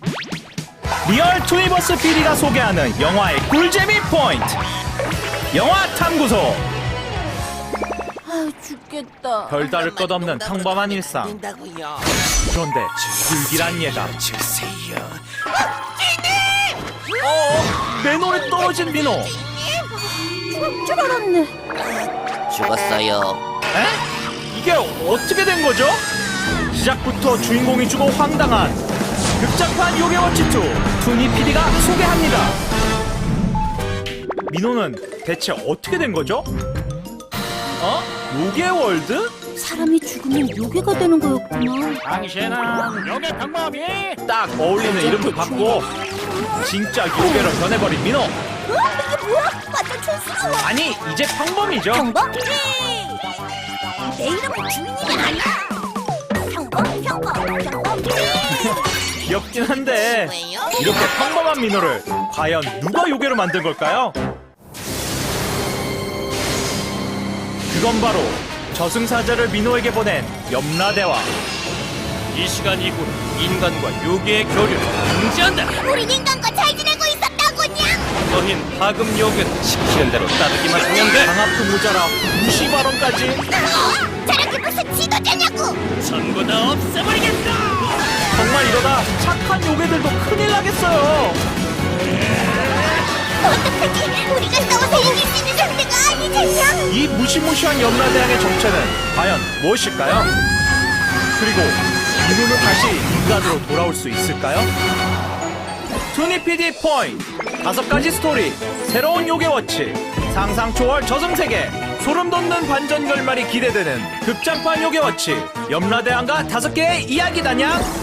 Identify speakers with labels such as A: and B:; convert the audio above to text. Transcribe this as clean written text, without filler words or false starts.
A: 리얼 투니버스 PD가 소개하는 영화의 꿀재미 포인트. 영화 탐구소.
B: 아, 죽겠다.
A: 별다를 것 없는 평범한 일상.
C: 된다고요.
A: 그런데 불길한 예감.
C: 주세요.
A: 내 노래 떨어진 민호.
B: 줄 알았네.
C: 죽었어요.
A: 에? 이게 어떻게 된 거죠? 시작부터 주인공이 죽어 황당한 극장판 요괴워치 2 투니 PD가 소개합니다. 민호는 대체 어떻게 된 거죠? 요괴월드?
B: 사람이 죽으면 요괴가 되는 거였구나.
A: 당신은 요괴 방법이 딱 어울리는 이름도 받고 진짜 요괴로 변해버린 민호.
B: 이게 뭐야? 완전 촌스러워.
A: 아니 이제 평범이죠.
B: 평범? 내 이름은 주인이 아니야. 평범.
A: 귀엽긴 한데 이렇게 평범한 민호를 과연 누가 요괴로 만든 걸까요? 그건 바로 저승사자를 민호에게 보낸 염라대왕.
D: 이 시간 이후 인간과 요괴의 교류를 금지한다.
B: 우린 인간과 잘 지내고 있었다고냐?
D: 너흰 하급 요괴는 시키는 대로 따르기만 하면 돼.
A: 강압도 모자라 무시 발언까지.
B: 저렇게 무슨 지도자냐고?
D: 전부 다 없애버리겠다.
A: 정말 이러다 착한 요괴들도 큰일 나겠어요.
B: 어떡하지? 우리가 싸워서 이길 수 있는 상대가 아니잖냐?
A: 이 무시무시한 염라대왕의 정체는 과연 무엇일까요? 그리고 민호는 다시 인간으로 돌아올 수 있을까요? 투니 PD 포인트 5가지 스토리, 새로운 요괴워치, 상상 초월 저승세계, 소름 돋는 반전 결말이 기대되는 극장판 요괴워치 염라대왕과 5개의 이야기다냐?